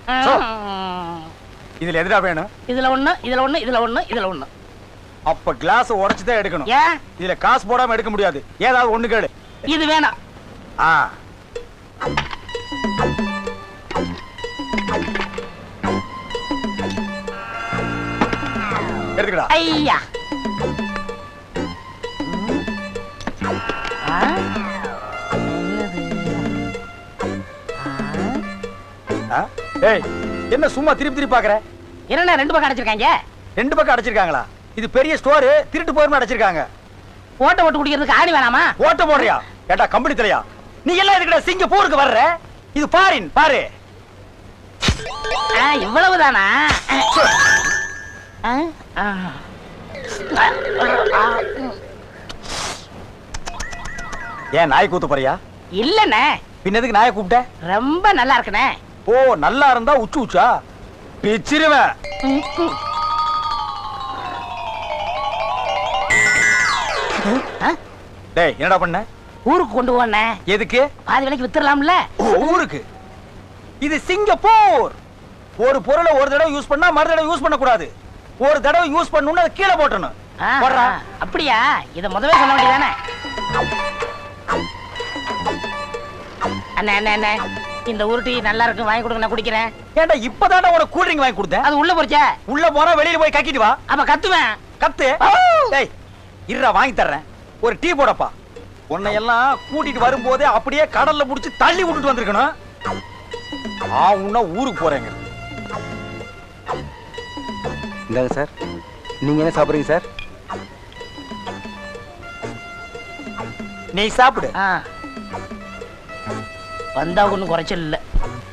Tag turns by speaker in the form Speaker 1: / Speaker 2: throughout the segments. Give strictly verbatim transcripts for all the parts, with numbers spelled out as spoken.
Speaker 1: இதுல எதுடா வேணும்?
Speaker 2: இதுல ஒண்ணு, இதுல ஒண்ணு, இதுல ஒண்ணு, இதுல ஒண்ணு.
Speaker 1: அப்ப கிளாஸ் உடைச்சு தான் எடுக்கணும்.
Speaker 2: ஏன்?
Speaker 1: இதுல காசு போடாம எடுக்க முடியாது. ஏதாவது ஒண்ணு கேளு.
Speaker 2: இது வேணாம்.
Speaker 1: ஆ. எடுக்கடா.
Speaker 2: ஐயா.
Speaker 1: ஏய், என்ன சும்மா திருப்பி திருப்பி பாக்குற?
Speaker 2: என்ன ரெண்டு பக்கம் அடைச்சிருக்காங்க?
Speaker 1: ரெண்டு பக்கம் அடைச்சிருக்காங்களா? இது பெரிய ஸ்டோர், திருட்டு போயிருமா அடைச்சிருக்காங்க.
Speaker 2: ஓட்ட ஓட்டு குடிக்கிறதுக்கு ஆணி வேணாமா?
Speaker 1: ஓட்ட போடுறியா? ஏட்டா கம்பெனி தலையா? நீ எல்லாம் எதுக்குடா சிங்கப்பூருக்கு வர்ற? இது பாரின் பாரு.
Speaker 2: இவ்வளவுதானா?
Speaker 1: ஏன் நாய் கூத்து போறியா?
Speaker 2: இல்லண்ணே.
Speaker 1: பின்னதுக்கு நாயை கூப்பிட்ட?
Speaker 2: ரொம்ப நல்லா இருக்குண்ணே.
Speaker 1: ஓ, நல்லா இருந்தா உச்சு உச்சா பிச்சிருவேன். டேய், என்னடா பண்ண?
Speaker 2: ஊருக்கு கொண்டு போனே.
Speaker 1: எதுக்கு?
Speaker 2: பாதி விலைக்கு வித்துறலாம்ல.
Speaker 1: ஊருக்கு? இது சிங்கப்பூர். ஒரு பொருளை ஒரு தடவை யூஸ் பண்ணா மறு தடவை யூஸ் பண்ண கூடாது. ஒரு தடவை யூஸ் பண்ணனும்னா அதை கீழே போடணும்.
Speaker 2: அப்படியா? இத முதவே சொல்ல வேண்டியதானே? அண்ணே அண்ணே அண்ணே, இந்த உருட்டி நல்லா இருக்கு, வாங்கி கொடுங்க, நான் குடிக்கிறேன்.
Speaker 1: ஏண்டா இப்பதானே உனக்கு கூல் ட்ரிங்க் வாங்கி கொடுத்தேன்.
Speaker 2: அது உள்ள போறச்சே.
Speaker 1: உள்ள போறா வெளியில போய் கக்கிட்டு வா.
Speaker 2: அப்ப கத்துவேன்.
Speaker 1: கத்து. டேய், இருடா வாங்கி தர்றேன். ஒரு டீ போடப்பா. உன்னை எல்லாம் கூட்டிட்டு வரும்போதே அப்படியே கடல்ல புடிச்சு தள்ளி விட்டுட்டு வந்திருக்கணும். ஆ, உன்ன ஊருக்கு போறேங்க.
Speaker 3: இந்தாங்க சார். நீங்க என்ன சாப்பிடுறீங்க சார்?
Speaker 1: நீ சாப்பிடு.
Speaker 2: வந்தா ஒண்ணும் குறைச்சல் இல்ல.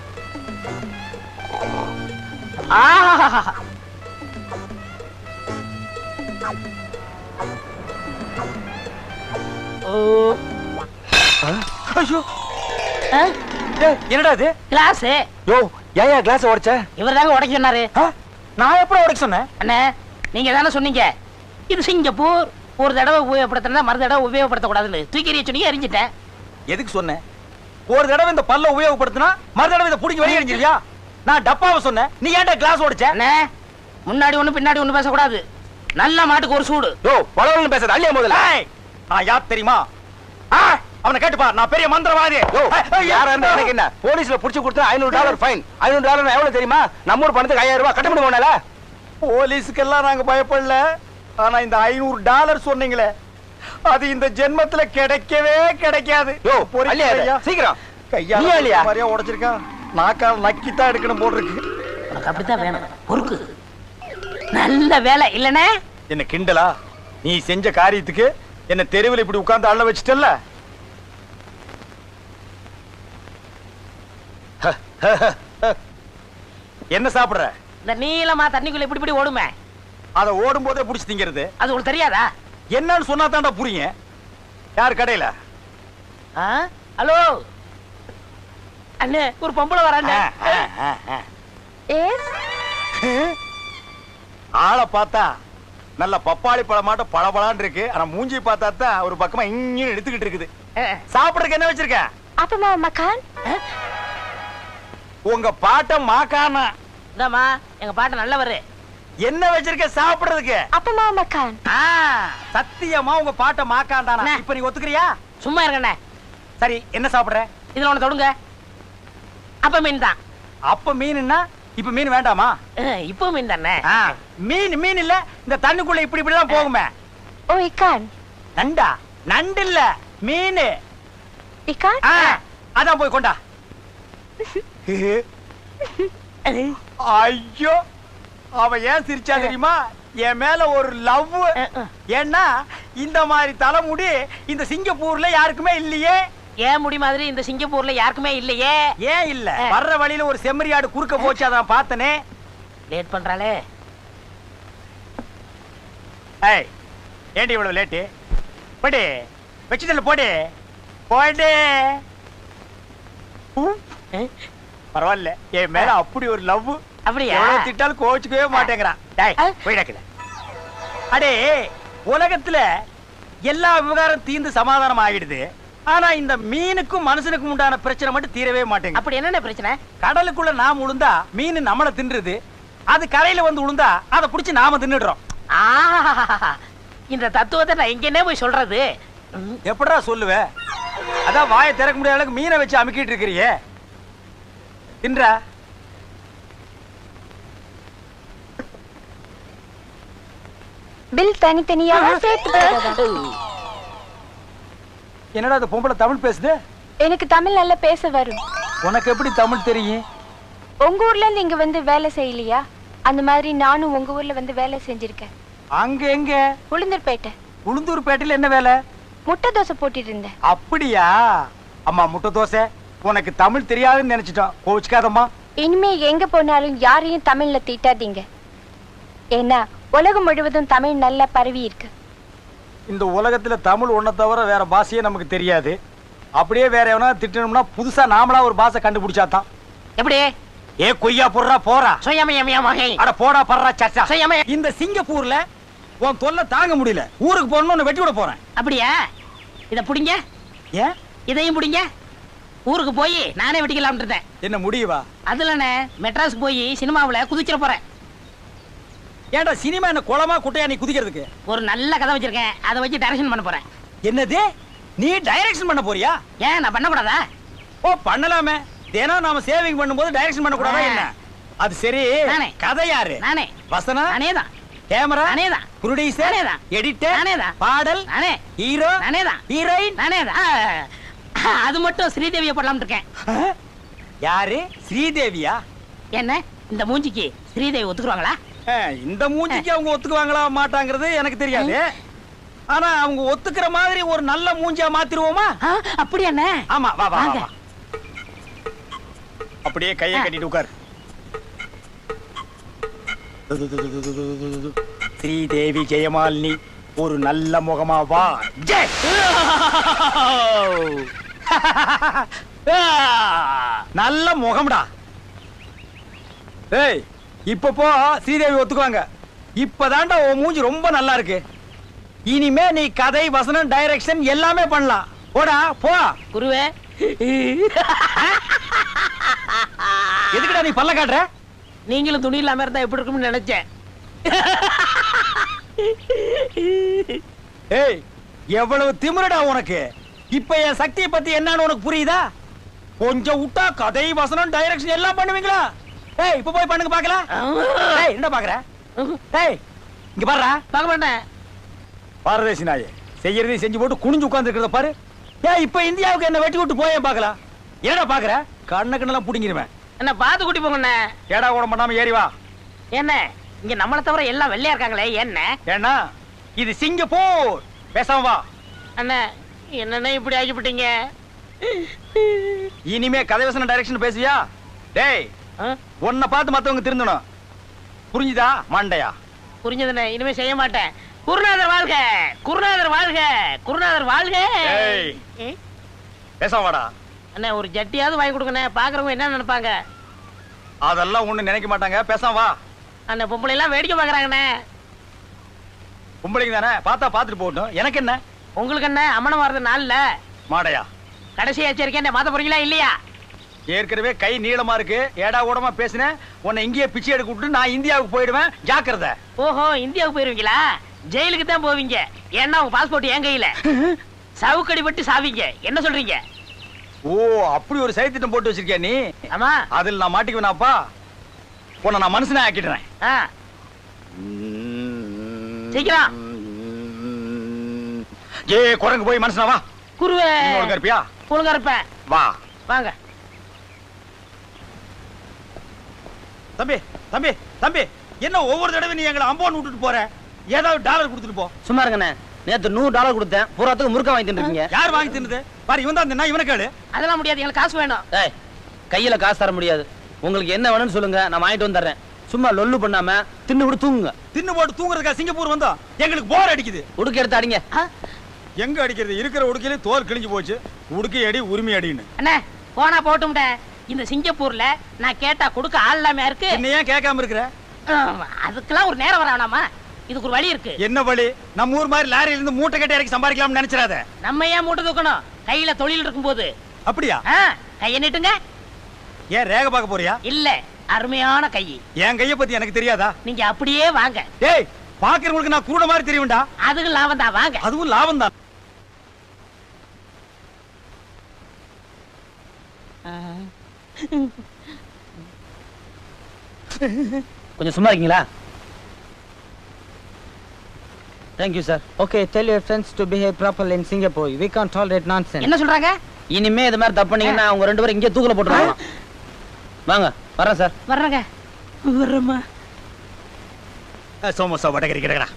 Speaker 1: என்னடா இது?
Speaker 2: கிளாஸ்.
Speaker 3: யோ, ஏன் கிளாஸ் உடைச்ச?
Speaker 2: இவர் தாங்க உடைக்க சொன்னாரு.
Speaker 1: நான் எப்படி உடைக்க சொன்னேன்?
Speaker 2: அண்ணே, நீங்க தானே சொன்னீங்க இது சிங்கப்பூர், ஒரு தடவை உபயோகப்படுத்தினா மறு தடவை உபயோகப்படுத்த கூடாதுன்னு. தூக்கி எறிய சொன்னீங்க, எரிஞ்சிட்டேன்.
Speaker 1: எதுக்கு சொன்னேன்? ஒரு தடவை இந்த பல்ல உபயோகப்படுத்தினா மறு தடவை இதை புடிங்க வெளியே எரிஞ்சிருவியா? நான் டப்பாவை சொன்னேன், நீ ஏன்டா கிளாஸ் உடைச்ச?
Speaker 2: அண்ணே, முன்னாடி ஒண்ணு பின்னாடி ஒண்ணு பேசக்கூடாது. நல்ல மாட்டுக்கு ஒரு சூடு.
Speaker 1: யோ, பலவன் பேசாத. அள்ளியா முதல்ல. நான் யார் தெரியுமா? அவனை கேட்டுப்பா, நான் பெரிய மந்திரவாதி.
Speaker 3: யாரா இருந்தா எனக்கு என்ன? போலீஸ்ல புடிச்சு கொடுத்தா ஐநூறு டாலர் ஃபைன். ஐநூறு டாலர் எவ்வளவு தெரியுமா? நம்ம ஊர் பணத்துக்கு ஐயாயிரம் ரூபாய் கட்ட முடியுமால?
Speaker 1: போலீஸுக்கெல்லாம் நாங்க பயப்படல. ஆனா இந்த ஐநூறு டாலர் சொன்னீங்களே, அது இந்த ஜென்மத்துல கிடைக்கவே கிடைக்காது.
Speaker 3: யோ, சீக்கிரம்
Speaker 1: கையால மாதிரியா உடைச்சிருக்கான். நாக்கால் நக்கித்தான் எடுக்கணும் போல் இருக்கு.
Speaker 2: உனக்கு அப்படித்தான் வேணும். பொறுக்கு. நல்ல வேலை இல்லனே.
Speaker 1: என்ன கிண்டலா? நீ செஞ்ச காரியத்துக்கு என்ன தெருவில் இப்படி உட்கார்ந்து அள்ள வச்சிட்டல்ல? என்ன சாப்பிடுற?
Speaker 2: இந்த நீளமா தண்ணிக்குள்ள இப்படி இப்படி ஓடுமே,
Speaker 1: அத ஓடும் போதே புடிச்சு திங்கிறது.
Speaker 2: அது உங்களுக்கு தெரியாதா?
Speaker 1: என்னன்னு சொன்னா தான்டா புரியுங்க. யார் கடையில?
Speaker 2: ஹலோ அண்ணே, ஒரு பொம்பளை வரானே.
Speaker 1: ஆளை பார்த்தா நல்ல பப்பாளி பழமாட்ட பழபழான்னு இருக்கு. ஆனா மூஞ்சி பார்த்தா தான் ஒரு பக்கமா இங்க எடுத்துக்கிட்டு இருக்குது. சாப்பிடுறதுக்கு என்ன வச்சிருக்க?
Speaker 4: அப்பமா மக்கான்.
Speaker 1: உங்க பாட்ட மாக்கானா?
Speaker 2: இந்தாமா, எங்க பாட்ட நல்லவரு.
Speaker 1: என்ன வச்சிருக்க சாப்பிடுறதுக்கு?
Speaker 4: அப்பமா மக்கான்.
Speaker 1: சத்தியமா உங்க பாட்ட மாக்கான் தானா? இப்ப நீ ஒத்துக்கிறியா?
Speaker 2: சும்மா இருக்கண்ணே.
Speaker 1: சரி, என்ன சாப்பிடுற?
Speaker 2: இதுல ஒண்ணு தொடுங்க. அப்ப மீன் தான்.
Speaker 1: அப்ப மீன்னா இப்ப மீன் வேண்டாமா?
Speaker 2: இப்போ மீன் தானே.
Speaker 1: மீன் மீன் இல்ல, இந்த தண்ணிக்குள்ள இப்படி இப்படி தான் போகுமே.
Speaker 4: ஓ, இக்கான்.
Speaker 1: நண்டா? நண்டு இல்ல, மீன்.
Speaker 4: இக்கான்?
Speaker 1: அதான் போய் கொண்டா. ஐயோ, அவ ஏன் சிரிச்சா தெரியுமா? என் மேல ஒரு லவ். ஏன்னா இந்த மாதிரி தலைமுடி இந்த சிங்கப்பூர்ல யாருக்குமே இல்லையே.
Speaker 2: ஏன் முடி மாதிரி இந்த சிங்கப்பூர்ல யாருக்குமே இல்லையே.
Speaker 1: ஏன் இல்ல? வர்ற வழியில ஒரு செம்மறியாடு குறுக்க போச்சு, அதான் பார்த்தனே.
Speaker 2: லேட் பண்றாளே.
Speaker 1: ஏய், ஏண்டி இவ்வளவு லேட்டு? போடி, வெச்சிடல போடி, போடி. பரவாயில்ல, என் மேல அப்படி ஒரு லவ்.
Speaker 2: அப்படியா?
Speaker 1: திட்டாலும் கோச்சுக்கவே மாட்டேங்கிறான். போயிடக்கல. அடே, உலகத்துல எல்லா விவகாரம் தீர்ந்து சமாதானம் ஆகிடுது. ஆனா இந்த மீனுக்கும் மனுஷனுக்கும் உண்டான பிரச்சனை மட்டும் தீரவே மாட்டேங்குது.
Speaker 2: அப்படி என்னென்ன பிரச்சனை?
Speaker 1: கடலுக்குள்ள நாம உளுந்தா மீன் நம்மள தின்றுது, அது கரையில வந்து உளுந்தா அதை புடிச்சு நாம தின்னுடுறோம்.
Speaker 2: ஆஹா, இந்த தத்துவத்தை நான் எங்கன்னே போய் சொல்றது?
Speaker 1: எப்படிடா சொல்லுவ? அதான் வாயை திறக்க முடியாத அளவுக்கு மீனை வச்சு அமுக்கிட்டு இருக்கிறியே. தின்றா
Speaker 4: பில் தனித்தனியாக சேர்த்து போடுறதா?
Speaker 1: என்னடா அந்த பொம்பளை தமிழ் பேசுது?
Speaker 4: எனக்கு தமிழ் நல்லா பேச வரும்.
Speaker 1: உனக்கு எப்படி தமிழ் தெரியும்?
Speaker 4: உங்க ஊர்ல இருந்து இங்க வந்து வேலை செய்யலையா? அந்த மாதிரி நானும் உங்க ஊர்ல வந்து வேலை செஞ்சிருக்கேன்.
Speaker 1: அங்க எங்க?
Speaker 4: உளுந்தூர்பேட்டை.
Speaker 1: உளுந்தூர்பேட்டையில என்ன வேலை?
Speaker 4: முட்டை தோசை போட்டுட்டு இருந்தேன்.
Speaker 1: அப்படியா? அம்மா முட்டை தோசை, உனக்கு தமிழ் தெரியாதுன்னு நினைச்சிட்டோம், கோவிச்சுக்காதம்மா.
Speaker 4: இனிமே எங்க போனாலும் யாரையும் தமிழ்ல திட்டாதீங்க. ஏன்னா உலகம் முழுவதும் தமிழ் நல்லா பரவி இருக்கு.
Speaker 1: இந்த உலகத்துல தமிழ் ஒன்ன தவிர வேற பாஷையே நமக்கு தெரியாது. அப்படியே வேற எவனா திட்டணும்னா புதுசா நாமளா ஒரு பாஷை கண்டுபிடிச்சாதான்.
Speaker 2: எப்படி?
Speaker 1: ஏ கொய்யா போடுறா போறா.
Speaker 2: சுயமயமயமகை.
Speaker 1: அட போடா படுறா சச்சா.
Speaker 2: சுயமய.
Speaker 1: இந்த சிங்கப்பூர்ல உன் தொல்லை தாங்க முடியல. ஊருக்கு போகணும்னு வெட்டி விட போறேன்.
Speaker 2: அப்படியா? இத புடிங்க.
Speaker 1: ஏன்?
Speaker 2: இதையும் புடிங்க. ஊருக்கு போய் நானே வெட்டிக்கலாம்னு இருந்தேன்.
Speaker 1: என்ன முடியவா?
Speaker 2: அதுலனே மெட்ராஸ் போய் சினிமாவுல குதிச்சிட போறேன்.
Speaker 1: ஏன்டா சினிமா என்ன குளமா குட்டையா நீ குதிக்கிறதுக்கு?
Speaker 2: ஒரு நல்ல கதை வச்சிருக்கேன், அதை வச்சு டைரக்ஷன் பண்ண போறேன்.
Speaker 1: என்னது? நீ டைரக்ஷன் பண்ண போறியா?
Speaker 2: ஏன் நான் பண்ண கூடாதா?
Speaker 1: ஓ பண்ணலாமே. தினம் நாம சேவிங் பண்ணும்போது டைரக்ஷன் பண்ண கூடாதா என்ன? அது சரி.
Speaker 2: நானே.
Speaker 1: கதை யாரு?
Speaker 2: நானே.
Speaker 1: வசனா?
Speaker 2: நானேதான்.
Speaker 1: கேமரா?
Speaker 2: நானேதான்.
Speaker 1: ப்ரொடியூசர்?
Speaker 2: நானேதான்.
Speaker 1: எடிட்டர்?
Speaker 2: நானேதான்.
Speaker 1: பாடல்?
Speaker 2: நானே.
Speaker 1: ஹீரோ?
Speaker 2: நானேதான்.
Speaker 1: ஹீரோயின்?
Speaker 2: நானேதான். அது மட்டும் ஸ்ரீதேவியை போடலாம்னு இருக்கேன்.
Speaker 1: யாரு? ஸ்ரீதேவியா?
Speaker 2: என்ன இந்த மூஞ்சிக்கு ஸ்ரீதேவி ஒத்துக்குவாங்களா?
Speaker 1: இந்த மூஞ்சிக்கு அவங்க ஒத்துக்குவாங்களா மாட்டாங்கிறது எனக்கு தெரியாது. ஆனா அவங்க ஒத்துக்கிற மாதிரி ஒரு நல்ல மூஞ்சியா மாத்திருவோமா?
Speaker 2: அப்படி என்ன?
Speaker 1: ஆமா வா வா வா. அப்படியே கையை கட்டிட்டு உட்கார். ஸ்ரீதேவி ஜெயமாலினி ஒரு நல்ல முகமா வா. ஜெய். நல்ல முகம்டா. ஏய் இப்ப போ, ஸ்ரீதேவி ஒத்துக்குவாங்க. இப்பதான்டா உன் மூஞ்சி ரொம்ப நல்லா இருக்கு. இனிமே நீ கதை வசனம் டைரக்ஷன் எல்லாமே பண்ணலாம். போடா போ.
Speaker 2: குருவே,
Speaker 1: எதுக்குடா நீ பல்ல காட்டுற?
Speaker 2: நீங்களும் துணி இல்லாம இருந்தா எப்படி இருக்கும்னு நினைச்சேன்.
Speaker 1: ஏய் எவ்வளவு திமிரடா உனக்கு. இப்ப என் சக்தியை பத்தி என்னன்னு உனக்கு புரியுதா? கொஞ்சம் விட்டா கதை வசனம் டைரக்ஷன் எல்லாம் பண்ணுவீங்களா? ஏய் இப்ப போய் பண்ணுங்க பாக்கலாம். ஏய் என்ன பாக்குற? ஏய் இங்க பாருடா.
Speaker 2: பார்க்க மாட்டேன்.
Speaker 1: பாரதேசி நாயே, செய்யறதையும் செஞ்சு போட்டு குனிஞ்சு உட்கார்ந்து இருக்கிறத பாரு. ஏய் இப்ப இந்தியாவுக்கு என்ன வெட்டி விட்டு போயே பாக்கலாம். என்னடா பாக்குற? கண்ண கண்ணெல்லாம் புடிங்கிருவேன்.
Speaker 2: என்ன பாத்து கூட்டி போங்க.
Speaker 1: ஏடா கூட பண்ணாம ஏறி வா.
Speaker 2: என்ன இங்க நம்மள தவிர எல்லாம் வெள்ளையா இருக்காங்களே என்ன?
Speaker 1: ஏன்னா இது சிங்கப்பூர். பேசாம வா.
Speaker 2: அண்ணா என்னண்ணே இப்படி ஆகிவிட்டீங்க?
Speaker 1: இனிமே கதை வசனம் டைரக்ஷன் பேசுவியா? டேய் உன்னை பார்த்து மத்தவங்க திருந்தணும். புரிஞ்சுதா மண்டையா?
Speaker 2: புரிஞ்சதுண்ணே, இனிமே செய்ய மாட்டேன். குருநாதர் வாழ்க, குருநாதர் வாழ்க, குருநாதர் வாழ்க.
Speaker 1: பேசாம வாடா.
Speaker 2: அண்ணா ஒரு ஜட்டியாவது வாங்கி கொடுங்கண்ணே. பாக்குறவங்க என்ன நினைப்பாங்க?
Speaker 1: அதெல்லாம் ஒண்ணு நினைக்க மாட்டாங்க. பேசாம வா.
Speaker 2: அந்த பொம்பளை எல்லாம் வேடிக்கை பாக்குறாங்கண்ணே.
Speaker 1: பொம்பளைங்க தானே, பார்த்தா பார்த்துட்டு போகட்டும். எனக்கு என்ன?
Speaker 2: உங்களுக்கு என்ன அம்மனம் வர்றது நாள்ல
Speaker 1: மாடையா?
Speaker 2: கடைசி எச்சரிக்கை. மாத்த போறீங்களா இல்லையா?
Speaker 1: ஏற்கனவே கை நீளமா இருக்கு. ஏடா ஓடமா பேசினேன். உன்னை இங்கேயே பிச்சை எடுக்க விட்டு நான் இந்தியாவுக்கு போயிடுவேன். ஜாக்கிரதை.
Speaker 2: ஓஹோ இந்தியாவுக்கு போயிருவீங்களா? ஜெயிலுக்கு தான் போவீங்க. ஏன்னா உங்க பாஸ்போர்ட் என் கையில. சவுக்கடி பட்டு சாவீங்க. என்ன சொல்றீங்க?
Speaker 1: ஓ அப்படி ஒரு சைத்திட்டம் போட்டு வச்சிருக்கியா நீ?
Speaker 2: ஆமா.
Speaker 1: அதில் நான் மாட்டிக்குவேனாப்பா. உன்னை நான் மனுஷனா ஆக்கிடுறேன்.
Speaker 2: சீக்கிரம்.
Speaker 1: ஏ குரங்கு போய் மனுஷனா வா.
Speaker 2: குருவே
Speaker 1: ஒழுங்கா இருப்பியா?
Speaker 2: ஒழுங்கா இருப்பேன்.
Speaker 1: வா.
Speaker 2: வாங்க.
Speaker 1: தம்பி தம்பி தம்பி என்ன ஒவ்வொரு தடவை நீ எங்களை அம்போன் விட்டுட்டு போற? ஏதாவது டாலர் கொடுத்துட்டு போ.
Speaker 3: சும்மா இருங்கண்ணே, நேத்து நூறு டாலர் கொடுத்தேன். பூராத்துக்கு முறுக்க வாங்கி தின்னுருக்கீங்க.
Speaker 1: யார் வாங்கி தின்னது? பாரு இவன் தான் தின்னா. இவனை கேளு.
Speaker 2: அதெல்லாம் முடியாது, எங்களுக்கு காசு வேணும்.
Speaker 3: ஏய் கையில காசு தர முடியாது. உங்களுக்கு என்ன வேணும்னு சொல்லுங்க, நான் வாங்கிட்டு வந்துடுறேன். சும்மா லொல்லு பண்ணாம தின்னு விட்டு தூங்குங்க.
Speaker 1: தின்னு போட்டு தூங்குறதுக்கா சிங்கப்பூர் வந்தோம்? எங்களுக்கு போர் அடிக்குது.
Speaker 3: உடுக்க எடுத்து அடிங்க.
Speaker 1: எங்க அடிக்கிறது? இருக்கிற உடுக்கையில தோல் கிழிஞ்சு போச்சு. உடுக்கை அடி உரிமை அடின்னு.
Speaker 2: அண்ணே போனா போட்டும்ட. இந்த சிங்கப்பூர்ல நான் கேட்டா கொடுக்க ஆள் இல்லாம இருக்கு.
Speaker 1: என்ன ஏன் கேட்காம இருக்கிற?
Speaker 2: அதுக்கெல்லாம் ஒரு நேரம் வர வேணாமா? இதுக்கு ஒரு வழி இருக்கு.
Speaker 1: என்ன வழி? நம்ம ஊர் மாதிரி லாரியில இருந்து மூட்டை கட்டி இறக்கி சம்பாதிக்கலாம்னு நினைச்சிராத.
Speaker 2: நம்ம ஏன் மூட்டை தூக்கணும்? கையில தொழில் இருக்கும்போது.
Speaker 1: அப்படியா?
Speaker 2: ஆ, கையை நீட்டுங்க.
Speaker 1: ஏன் ரேக பார்க்க போறியா?
Speaker 2: இல்ல, அருமையான கை.
Speaker 1: என் கைய பத்தி எனக்கு தெரியாதா?
Speaker 2: நீங்க அப்படியே வாங்க.
Speaker 1: டேய், பாக்குறவங்களுக்கு நான் குருட மாதிரி தெரியும்டா.
Speaker 2: அதுக்கு லாபம் தான், வாங்க.
Speaker 1: அதுவும் லாபம் தான்.
Speaker 3: கொஞ்சம் சும்மா இருக்கீங்களா? Thank you, sir. Okay, tell your friends to behave properly in Singapore. We can't tolerate nonsense.
Speaker 2: என்ன சொல்றாங்க?
Speaker 3: இனிமே இது மாதிரி தப்பு பண்ணீங்கன்னா அவங்க ரெண்டு பேரும் இங்கே தூக்குல போட்டுருவாங்க. வாங்க, வரேன் சார்.
Speaker 2: வர்றங்க. வர்றமா.
Speaker 1: சோமோசா வடகரி கிடக்குறா.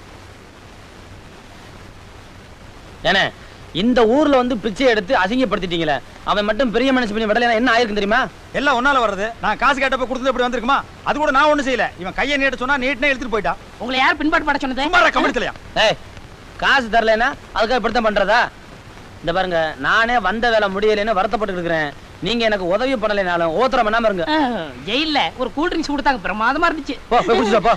Speaker 3: ஏனே, இந்த ஊர்ல வந்து பிச்சை எடுத்து அசிங்கப்படுத்திட்டீங்களே, அவன் மட்டும் பெரிய மனுஷன் பண்ணி விடலைன்னா என்ன ஆயிருக்கும் தெரியுமா?
Speaker 1: எல்லாம் ஒன்னால வர்றது. நான் காசு கேட்டப்ப கொடுத்தது இப்படி வந்திருக்குமா? அது கூட நான் ஒண்ணும் செய்யல. இவன் கையை நீட்ட சொன்னா நீட்டனே எடுத்துட்டு போயிட்டா.
Speaker 2: உங்களை யார் பின்பாட்டு பட சொன்னது?
Speaker 1: சும்மா கமெண்ட்லயா?
Speaker 3: ஏய், காசு தரலைன்னா அதுக்காக இப்படித்தான் பண்றதா? இந்த பாருங்க, நானே வந்த வேலை முடியலைன்னு வருத்தப்பட்டு இருக்கிறேன். நீங்க எனக்கு உதவி பண்ணலைனாலும் ஓத்திரம் பண்ணாம இருங்க.
Speaker 2: ஜெயில்ல ஒரு கூல் ட்ரிங்க்ஸ் கொடுத்தாங்க, பிரமாதமா இருந்துச்சு.
Speaker 3: போ, போய் குடிச்சிட்டு வா, போ.